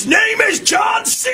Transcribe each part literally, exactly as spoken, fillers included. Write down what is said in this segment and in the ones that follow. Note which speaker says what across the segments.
Speaker 1: His name is John C.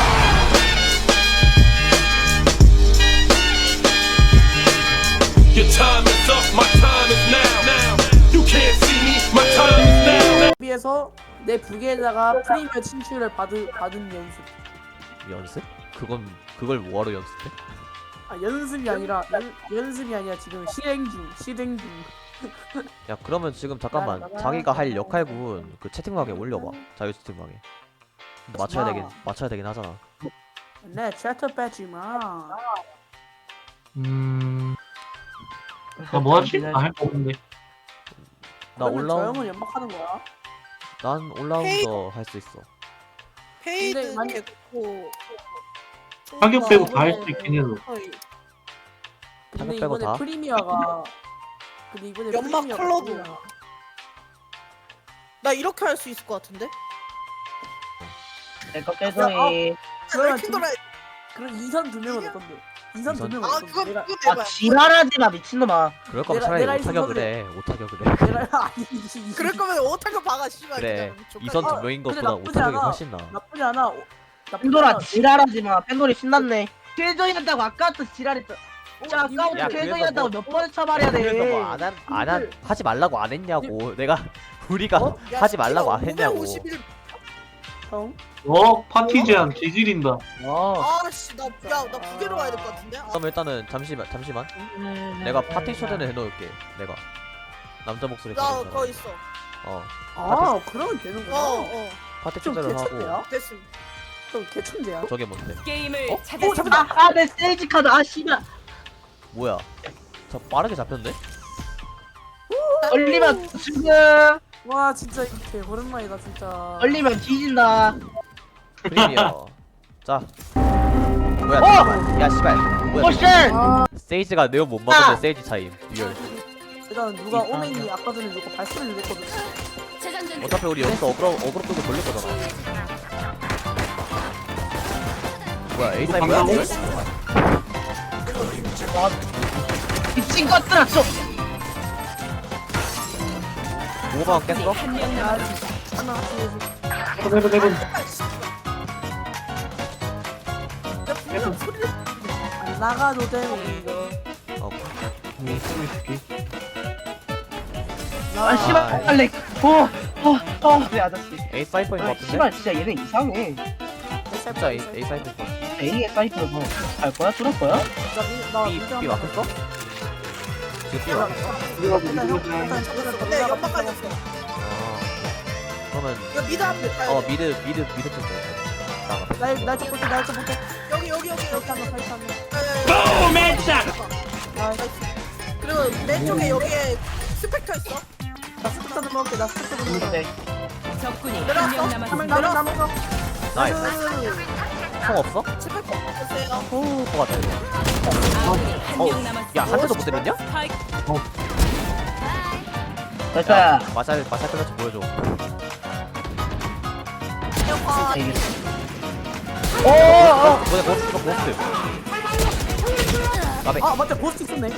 Speaker 1: Your time is up, my time is now. Now you can't see me, my time is now.
Speaker 2: 비해서 내 부계에다가 프리미어 친출을 받은 받은 연습.
Speaker 3: 연습? 그건 그걸 뭐하러 연습해?
Speaker 2: 아 연습이 아니라 연, 연습이 아니라 지금 실행 중 실행 중.
Speaker 3: 야 그러면 지금 잠깐만 자기가 할 역할군 그 채팅방에 올려봐. 자유 채팅방에 맞춰야 되긴 맞춰야 되긴 하잖아.
Speaker 2: 네 채터 빼지 마.
Speaker 4: 음. 나 뭐하지? 아, 할 거 없는데.
Speaker 3: 나
Speaker 2: 그러면 저
Speaker 3: 올라운
Speaker 2: 형은 연막하는 거야.
Speaker 3: 난 올라운더 할 수 있어.
Speaker 2: 근데
Speaker 5: 페이드
Speaker 2: 만약-
Speaker 5: 됐고
Speaker 4: 가격 빼고 다 할
Speaker 2: 이번에-
Speaker 4: 수 있긴 해도.
Speaker 5: 어이,
Speaker 2: 근데
Speaker 3: 타격 빼고
Speaker 2: 이번에
Speaker 3: 다?
Speaker 2: 프리미어가 근데 이번에
Speaker 5: 연막
Speaker 2: 프리미어가
Speaker 5: 컬러도.
Speaker 2: 프리미어가
Speaker 5: 나 이렇게 할 수 있을 것 같은데?
Speaker 6: 내거 빼서이.
Speaker 2: 그러면
Speaker 5: 킹 돌아.
Speaker 2: 그럼 이선 두 명은 내 건데. 이선 두
Speaker 3: 이선?
Speaker 2: 명은
Speaker 5: 아
Speaker 2: 내
Speaker 5: 그거
Speaker 2: 건데. 내가
Speaker 5: 그거
Speaker 6: 아
Speaker 5: 대박.
Speaker 6: 지랄하지마 미친놈아.
Speaker 3: 그럴 거면
Speaker 2: 내가-
Speaker 3: 차라리
Speaker 2: 내가
Speaker 3: 오타격을
Speaker 2: 있은
Speaker 3: 해. 오타격을 해.
Speaker 2: 내가 아니지.
Speaker 5: 그럴 거면 오타고 박아 씨발.
Speaker 3: 그래.
Speaker 5: 그냥 족같이.
Speaker 3: 이선 두
Speaker 2: 어,
Speaker 3: 명인
Speaker 2: 근데
Speaker 3: 것보다
Speaker 2: 나쁘지
Speaker 3: 오타격이
Speaker 2: 않아.
Speaker 3: 훨씬 나.
Speaker 2: 나쁘지 않아. 오- 나쁘지
Speaker 6: 팬도라
Speaker 2: 않아.
Speaker 6: 지랄하지마. 팬돌이 신났네. 킬조이 한다고 아까부터 지랄했어. 진짜
Speaker 2: 어,
Speaker 6: 아까부터
Speaker 3: 야,
Speaker 6: 킬조이
Speaker 3: 그래서
Speaker 6: 한다고
Speaker 3: 뭐-
Speaker 6: 몇 번을 쳐말해야 돼.
Speaker 3: 그래서 뭐안안 하지 말라고 안 했냐고. 내가 우리가
Speaker 2: 어?
Speaker 5: 야,
Speaker 3: 하지 말라고 안
Speaker 5: 씨발,
Speaker 3: 했냐고.
Speaker 5: 오백오십일.
Speaker 2: 형.
Speaker 4: 어? 파티 제한 개질인다.
Speaker 6: 어.
Speaker 5: 아씨 나야나 부계로 가야 될 것 같은데. 아,
Speaker 3: 그럼 일단은 잠시만 잠시만.
Speaker 6: 음.
Speaker 3: 내가 파티 초대는 해놓을게. 내가 남자 목소리
Speaker 5: 나
Speaker 3: 가진
Speaker 5: 거기
Speaker 3: 사람.
Speaker 5: 있어.
Speaker 3: 어
Speaker 2: 아 그러면 되는구나.
Speaker 5: 어 어.
Speaker 3: 파티
Speaker 2: 좀
Speaker 3: 초대를
Speaker 2: 개천재야?
Speaker 3: 하고
Speaker 5: 됐음.
Speaker 2: 좀 개천재야.
Speaker 3: 저게 뭔데?
Speaker 7: 게임을
Speaker 2: 어?
Speaker 7: 찾았습니다.
Speaker 2: 어 잠깐만.
Speaker 6: 아, 아, 내 세이지 카드. 아, 씨발.
Speaker 3: 뭐야? 저 빠르게 잡혔는데?
Speaker 6: 얼리면 지금
Speaker 2: 와 진짜 이렇게 오랜만이다 진짜.
Speaker 6: 얼리면 뒤진다.
Speaker 3: 프리미어. 자. 뭐야?
Speaker 6: 어!
Speaker 3: 잠깐만. 야 씨발. 뭐야?
Speaker 6: 오션.
Speaker 2: 아
Speaker 3: 세이지가 네오 못 먹으면
Speaker 6: 아!
Speaker 3: 세이지 차임. 리얼.
Speaker 2: 일단 누가 오맨이 아까 전에 누가 발소리를 냈거든.
Speaker 3: 어차피 우리 여기서 어그로 어그로 끄고 돌릴 거잖아. 뭐야? A 사이 뭐야?
Speaker 4: 방금-
Speaker 6: 미친 것들아 좀.
Speaker 3: 오만 깼어?
Speaker 7: 한명 남았습니다.
Speaker 2: 하나 둘 셋.
Speaker 4: 해본 해본.
Speaker 2: 야 분명 소리를 안 나가도 되네 이거.
Speaker 3: 어.
Speaker 6: 아, 씨발. 빨리. 어. 어. 어. 왜 아저씨.
Speaker 3: A 사이퍼인 것
Speaker 6: 아,
Speaker 3: 같은데?
Speaker 6: 씨발 진짜 얘네 이상해.
Speaker 3: 진짜 A A 사이퍼인 것 같아.
Speaker 6: A의 사이트로 뭐갈 거야? 뚫을 거야?
Speaker 2: 나
Speaker 3: B B 막혔어? 지금 B 막혔어?
Speaker 5: 네 연막 깔렸어.
Speaker 3: 아. 그러면
Speaker 5: 이거 미드 한번 가야
Speaker 3: 어
Speaker 5: 돼.
Speaker 3: 미드 미드 미드 쪽 나가.
Speaker 2: 날날좀 볼게 날좀 볼게.
Speaker 5: 여기 여기 여기 여기.
Speaker 2: 이렇게 하면 이렇게 하면.
Speaker 5: 야, 야, 야, 야.
Speaker 2: 아
Speaker 5: 그리고 내 쪽에 여기에 스펙터 있어.
Speaker 2: 나 스쿠터도 먹을게. 나 스쿠터도 먹을게.
Speaker 6: 네.
Speaker 7: 적군이
Speaker 5: 내려왔어?
Speaker 7: 한명
Speaker 2: 한명
Speaker 7: 남았습니다.
Speaker 2: 남은 남은 거.
Speaker 3: 나이스. 총 없어?
Speaker 5: 스펙터 보세요.
Speaker 3: 오, 것 같아.
Speaker 7: 아군이
Speaker 3: 어,
Speaker 7: 한명 남았습니다.
Speaker 3: 야, 한 대도 못 때렸냐?
Speaker 7: 스파이크
Speaker 6: 됐다.
Speaker 3: 마샬, 마샬 클러치 보여줘.
Speaker 5: 아,
Speaker 6: 오, 어.
Speaker 3: 뭐야, 고스트, 이거 고스트. 까베.
Speaker 2: 아 맞다 보스트 있었네.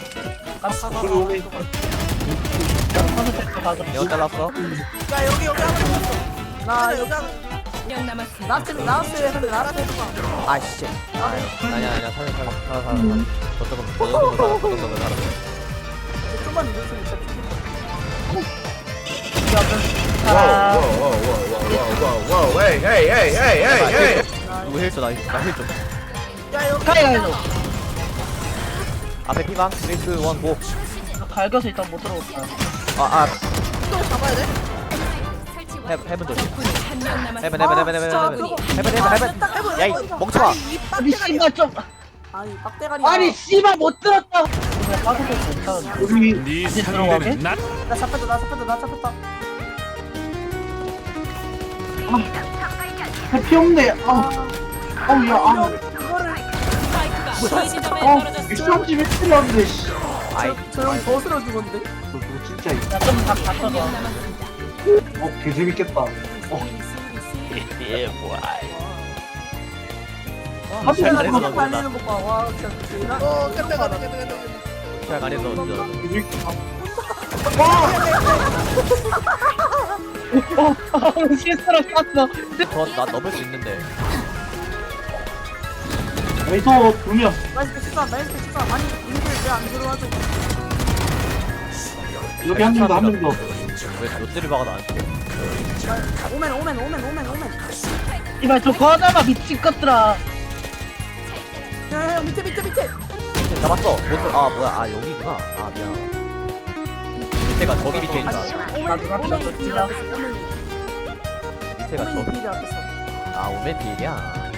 Speaker 3: 내가 잘랐어.
Speaker 5: 야 여기 여기 하나 있어.
Speaker 2: 나
Speaker 5: 나
Speaker 2: 여기
Speaker 5: 여기 하나.
Speaker 7: 한명 남았습니다.
Speaker 2: 나한테 나왔어요. 근데 나한테
Speaker 3: 아이씨. 아니야, 아니야, 살려, 살려, 살려, 살려. 저쪽은, 저쪽은 살아, 저쪽은 살아.
Speaker 2: 좀만 늦었으면 진짜 죽을
Speaker 3: 누구 힐줘, 나, 나 힐 좀.
Speaker 5: 야 여기.
Speaker 6: 가야 해줘.
Speaker 3: 앞에 피방, 삼, 이, 일, 고.
Speaker 6: 갈겨서 일단 못 들어올까.
Speaker 3: 아, 아,
Speaker 5: 또 잡아야 돼.
Speaker 3: 해, 해븐 조심.
Speaker 7: 적군이 한명 남았습니다.
Speaker 3: 해븐, 해븐, 해븐, 해븐, 해븐, 해븐, 해븐, 해븐. 야, 이 멍청아.
Speaker 5: 아니, 이
Speaker 6: 아니
Speaker 5: 빡대가리.
Speaker 6: 씨발 좀.
Speaker 2: 아니 빡대가리.
Speaker 6: 아니 씨발 못 들었다고. 그냥 빠져도 못하는데.
Speaker 4: 우리
Speaker 1: 네
Speaker 6: 이제 들어가게?
Speaker 1: 상대는 난
Speaker 2: 나 잡혔다 나 잡혔다 나 잡혔다.
Speaker 4: 해피 없네. 아, 아우 야, 아.
Speaker 2: 이거를
Speaker 7: 스파이크가 B 지점에
Speaker 4: 어,
Speaker 7: 떨어졌습니다.
Speaker 4: 육삼십 일 필요한데 씨.
Speaker 3: 아이,
Speaker 2: 저형 버스로 죽었는데.
Speaker 4: 너 그거 진짜 이-
Speaker 6: 야좀다 갖춰서.
Speaker 7: 한명 남았습니다.
Speaker 4: 어, 개 재밌겠다.
Speaker 3: 예, 뭐야.
Speaker 2: 와,
Speaker 3: 잘
Speaker 2: 잘
Speaker 3: 달리는
Speaker 2: 달리는 거 봐. 와 진짜 대단.
Speaker 5: 어 깜짝아 깜짝아.
Speaker 3: 잘 가려서 진짜.
Speaker 4: 재밌겠다.
Speaker 6: 어, 어, 실수로 쐈어.
Speaker 3: 저나 넘을 수 있는데.
Speaker 4: 여기서 두명
Speaker 2: 나이스 치사 나이스 치사 아니 님들 왜안 들어와줘
Speaker 4: 여기 한 명 더 한 명더
Speaker 3: 왜 롯데를 박아 나한테?
Speaker 2: 오멘 오멘 오멘 오멘 오멘
Speaker 6: 이발 저거 하나만 미친 것들아.
Speaker 2: 야야 밑에 밑에 밑에
Speaker 3: 잡았어. 롯데 아 뭐야? 아 여기구나. 아 미안. 밑에가 저기 밑에 있다.
Speaker 2: 오멘 오멘
Speaker 6: 졌지라.
Speaker 3: 밑에가
Speaker 2: 오멘
Speaker 3: 저기.
Speaker 2: 비리 앞에서
Speaker 3: 아 오멘 필이야.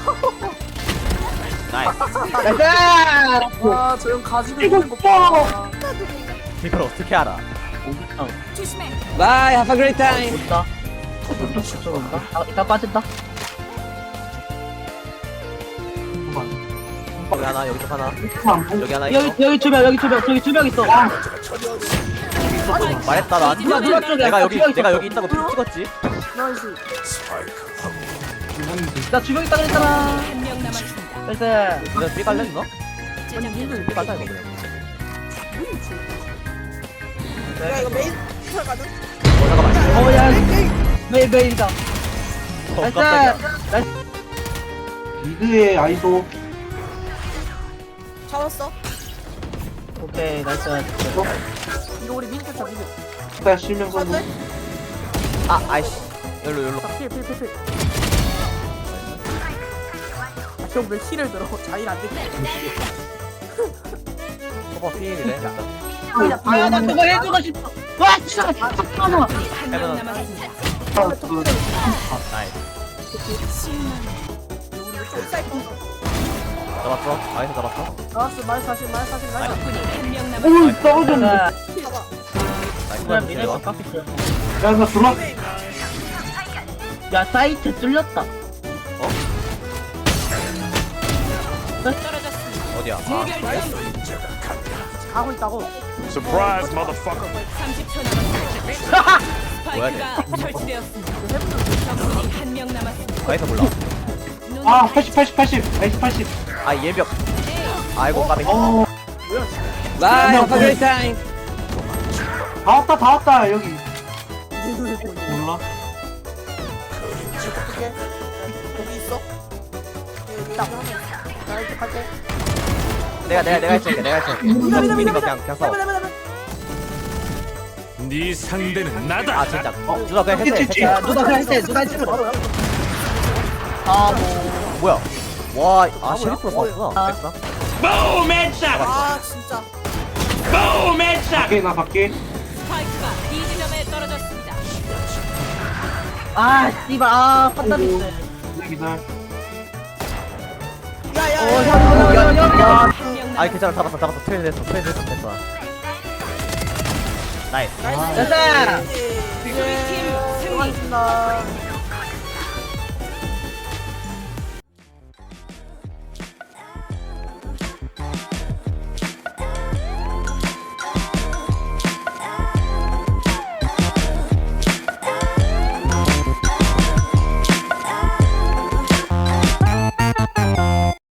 Speaker 3: 나이스.
Speaker 6: 가자.
Speaker 2: 와저 형 가지고
Speaker 6: 이거
Speaker 2: 있는 거 봐.
Speaker 3: 이걸 어떻게 알아?
Speaker 7: 조심해.
Speaker 8: Bye, have a great time.
Speaker 6: 온다. 온다. 아, 이따 빠진다.
Speaker 3: 여기 하나 여기 쪽 하나 여기 하나 있어.
Speaker 6: 여기 여기 두 명, 여기 두 명, 저기 두 명 있어.
Speaker 3: 말했다 나.
Speaker 6: 누가 누가 쪽에
Speaker 3: 내가 여기
Speaker 6: 두명
Speaker 3: 내가
Speaker 6: 있었어.
Speaker 3: 여기 있다고 픽 찍었지.
Speaker 2: 나이스
Speaker 6: 나 두 명 있다 그랬잖아.
Speaker 7: 한 명 남았습니다.
Speaker 6: 나이스.
Speaker 3: 그냥 삐 갈래 너?
Speaker 2: 아니 님들
Speaker 3: 삐 갈다 이거 그냥.
Speaker 5: 야 이거 메인 털 가는?
Speaker 3: 어 잠깐만.
Speaker 6: 어, 야, 메일 메일이다.
Speaker 3: 어
Speaker 6: 나이스.
Speaker 3: 깜짝이야.
Speaker 6: 나이스.
Speaker 4: 미드의 아이소
Speaker 5: 잡았어.
Speaker 6: 오케이, 나이스.
Speaker 2: 이거 우리 민트 차 민트
Speaker 4: 일단 실명 선수
Speaker 5: 안돼?
Speaker 3: 아 아이씨. 열로 열로.
Speaker 2: 필필필필 형왜 힐을 들어 자일 안 되게
Speaker 3: 커버 필이래. 일단.
Speaker 6: 아, 나 그거 해주고 싶어. 와, 진짜. 잠깐만.
Speaker 7: 한 명
Speaker 3: 해변은-
Speaker 7: 남았습니다.
Speaker 3: 나이스.
Speaker 5: 사이퍼.
Speaker 3: 잡았어. 아이스 잡았어.
Speaker 2: 나왔어 말 사실 말 사실 말 사실
Speaker 7: 적군이 한 명
Speaker 4: 오
Speaker 7: 남았습니다.
Speaker 4: 떨어졌네
Speaker 6: 자,
Speaker 5: 봐봐.
Speaker 3: 나이스.
Speaker 6: 그냥 미네스 깎였어.
Speaker 4: 야나 들어와
Speaker 6: 야, 사이트 뚫렸다.
Speaker 7: 떨어졌습니다.
Speaker 3: 어디야? 아
Speaker 2: 가고 있다고
Speaker 1: Surprise, motherfucker.
Speaker 7: 삼십 초 남았습니다.
Speaker 3: 뭐야,
Speaker 7: 스파이크가 설치되었습니다. 적군이 한 명 남았습니다.
Speaker 3: 아이스 몰라.
Speaker 7: 눈
Speaker 4: 아 팔십 팔십 팔십 아이스 팔십
Speaker 3: 아 예벽. 아이고 까비.
Speaker 4: 어
Speaker 8: Bye, have a great time.
Speaker 4: 다 왔다 다 왔다 여기
Speaker 2: 내 눈에 보이네
Speaker 4: 몰라
Speaker 5: 어떻게? 여기 있어? 여기
Speaker 2: 있다.
Speaker 5: 하나 있어.
Speaker 2: 나 이렇게 갈게
Speaker 3: 내가 내가 내가 할게. 내가 할게.
Speaker 2: 미나 미나
Speaker 3: 미는
Speaker 2: 미나
Speaker 3: 거 그냥 그냥 써.
Speaker 2: 미나 미나 미나
Speaker 1: 네 상대는 나다.
Speaker 3: 아 진짜. 어 누나 그냥 해체 해체.
Speaker 6: 야, 누가 그냥 했대, 누가 했대. 아, 뭐.
Speaker 3: 뭐야? 와, 아 셰리프로 썼구나. 됐어?
Speaker 1: Boom headshot.
Speaker 5: 아 진짜.
Speaker 1: Boom headshot.
Speaker 4: 밖에 나 밖에
Speaker 7: 스파이크가 B 지점에 떨어졌습니다.
Speaker 6: 아, 씨발. 아, 판단 있어.
Speaker 4: 기다려
Speaker 5: 야야.
Speaker 6: 어, 형, 형, 형, 형, 형.
Speaker 7: 한 명
Speaker 3: 아이
Speaker 7: 남았습니다.
Speaker 3: 괜찮아 잡았어 잡았어 트레이 됐어 트레이 됐어 됐어. 나이스.
Speaker 6: 됐어.
Speaker 2: 이제 수고하셨습니다